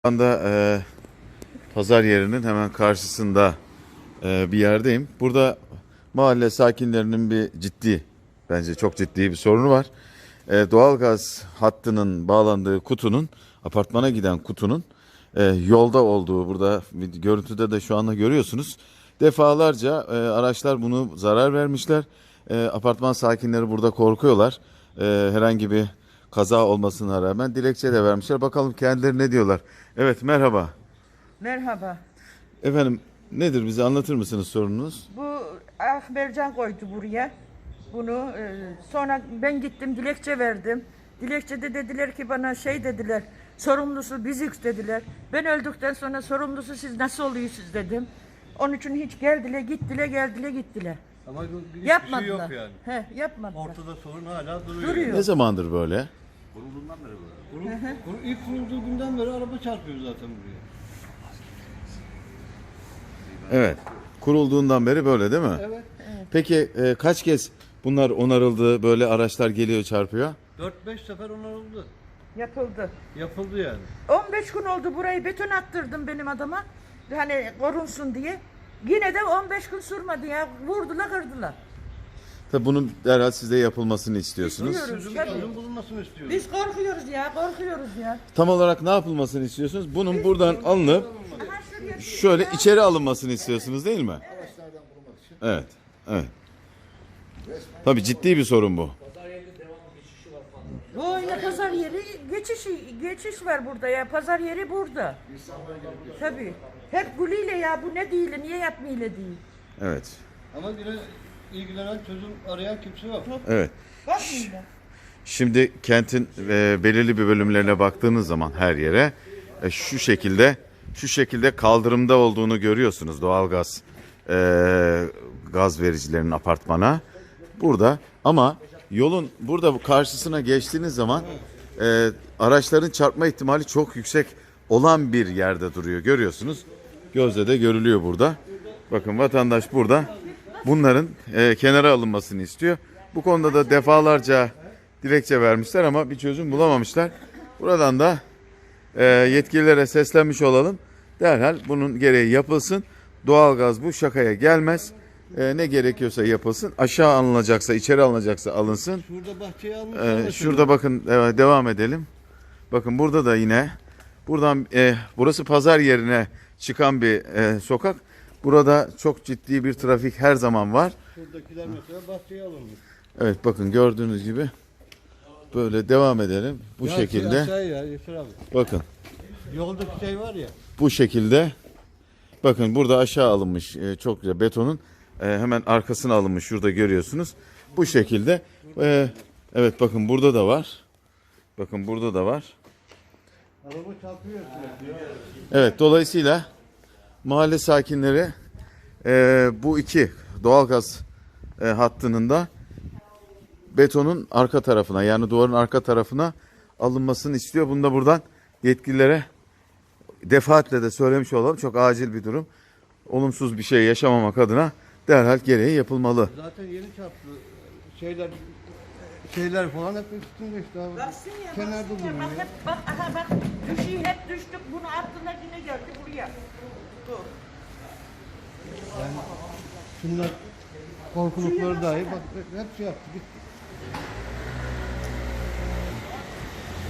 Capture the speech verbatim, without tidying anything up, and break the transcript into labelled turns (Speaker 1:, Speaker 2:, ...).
Speaker 1: Şu anda e, pazar yerinin hemen karşısında e, bir yerdeyim. Burada mahalle sakinlerinin bir ciddi, bence çok ciddi bir sorunu var. E, doğalgaz hattının bağlandığı kutunun, apartmana giden kutunun e, yolda olduğu, burada görüntüde de şu anda görüyorsunuz. Defalarca e, araçlar bunu zarar vermişler. E, apartman sakinleri burada korkuyorlar. E, herhangi bir kaza olmasına rağmen dilekçe de vermişler. Bakalım kendileri ne diyorlar. Evet, merhaba.
Speaker 2: Merhaba.
Speaker 1: Efendim, nedir, bize anlatır mısınız sorununuz?
Speaker 2: Bu Ah Mercan koydu buraya. Bunu e, sonra ben gittim dilekçe verdim. Dilekçede dediler ki bana şey dediler. Sorumlusu biziz dediler. Ben öldükten sonra sorumlusu siz nasıl oluyorsunuz dedim. Onun için hiç geldiler gittiler geldiler gittiler.
Speaker 3: Ama hiçbir
Speaker 2: Yapmadılar.
Speaker 3: şey yok yani.
Speaker 2: He, yapmadılar.
Speaker 3: Ortada sorun hala duruyor.
Speaker 2: Duruyor.
Speaker 1: Ne zamandır böyle?
Speaker 3: Kurulduğundan beri böyle. Kurul, kur, ilk kurulduğu günden beri araba çarpıyor zaten buraya.
Speaker 1: Evet. Kurulduğundan beri böyle değil mi?
Speaker 3: Evet.
Speaker 1: Peki e, kaç kez bunlar onarıldı, böyle araçlar geliyor çarpıyor?
Speaker 3: dört beş sefer onarıldı.
Speaker 2: Yapıldı.
Speaker 3: Yapıldı yani.
Speaker 2: on beş gün oldu burayı beton attırdım benim adama. Hani korunsun diye. Yine de on beş gün sürmedi ya. Vurdular kırdılar.
Speaker 1: Tabii bunun derhal size yapılmasını istiyorsunuz.
Speaker 2: İstiyoruz.
Speaker 3: Çözüm,
Speaker 2: Tabii.
Speaker 3: çözüm bulunmasını istiyoruz.
Speaker 2: Biz korkuyoruz ya korkuyoruz ya.
Speaker 1: Tam olarak ne yapılmasını istiyorsunuz? Bunun buradan alınıp
Speaker 2: Aha şuraya
Speaker 1: şöyle içeri alınmasını istiyorsunuz değil mi? Evet. Evet. Tabii ciddi bir sorun bu.
Speaker 2: Böyle pazar yeri geçiş geçiş var burada ya. Pazar yeri burada. Tabii. Hep gülüyle ya bu ne değil, niye yapmayla değil.
Speaker 1: Evet.
Speaker 3: Ama yine ilgilenen çözüm arayan kimse yok.
Speaker 1: Evet.
Speaker 2: Bakmayla.
Speaker 1: Şimdi kentin e, belirli bir bölümlerine baktığınız zaman her yere e, şu şekilde şu şekilde kaldırımda olduğunu görüyorsunuz, doğalgaz e, gaz vericilerinin apartmana burada, ama yolun burada karşısına geçtiğiniz zaman e, araçların çarpma ihtimali çok yüksek olan bir yerde duruyor, görüyorsunuz. Gözle de görülüyor burada. Bakın, vatandaş burada bunların e, kenara alınmasını istiyor. Bu konuda da defalarca dilekçe vermişler ama bir çözüm bulamamışlar. Buradan da e, yetkililere seslenmiş olalım. Derhal bunun gereği yapılsın. Doğalgaz bu şakaya gelmez. E, ne gerekiyorsa yapılsın. Aşağı alınacaksa, içeri alınacaksa alınsın.
Speaker 3: Şurada bahçeye almış.
Speaker 1: E,
Speaker 3: anlaşılıyor.
Speaker 1: şurada bakın, e, devam edelim. Bakın burada da yine buradan e, burası pazar yerine çıkan bir e, sokak. Burada çok ciddi bir trafik her zaman var.
Speaker 3: Şuradakiler mesela bahçeye alınmış.
Speaker 1: Evet, bakın gördüğünüz gibi böyle devam edelim. Bu
Speaker 3: Ya
Speaker 1: şekilde.
Speaker 3: Şey aşağıya ya Yeter abi.
Speaker 1: Bakın
Speaker 3: Yoldaki şey var ya.
Speaker 1: bu şekilde. Bakın burada aşağı alınmış e, çok güzel betonun e, hemen arkasına alınmış, şurada görüyorsunuz. Bu şekilde. E, evet, bakın burada da var. Bakın burada da var.
Speaker 3: Araba çarpıyor sürekli ya.
Speaker 1: Evet, dolayısıyla mahalle sakinleri e, bu iki doğalgaz e, hattının da betonun arka tarafına, yani duvarın arka tarafına alınmasını istiyor. Bunu da buradan yetkililere defaatle de söylemiş olalım. Çok acil bir durum. Olumsuz bir şey yaşamamak adına derhal gereği yapılmalı.
Speaker 3: Zaten yeni çarptı. Şeyler şeyler falan hep üstünde işte abi.
Speaker 2: Baksın ya,
Speaker 3: Kenarda
Speaker 2: baksın ya.
Speaker 3: duruyor.
Speaker 2: Bak hep bak aha bak düşüyor hep düştük bunu attılar yine geldi buraya. Bu.
Speaker 3: Yani şunlar korkulukları dahi bak hep şey yaptı gitti.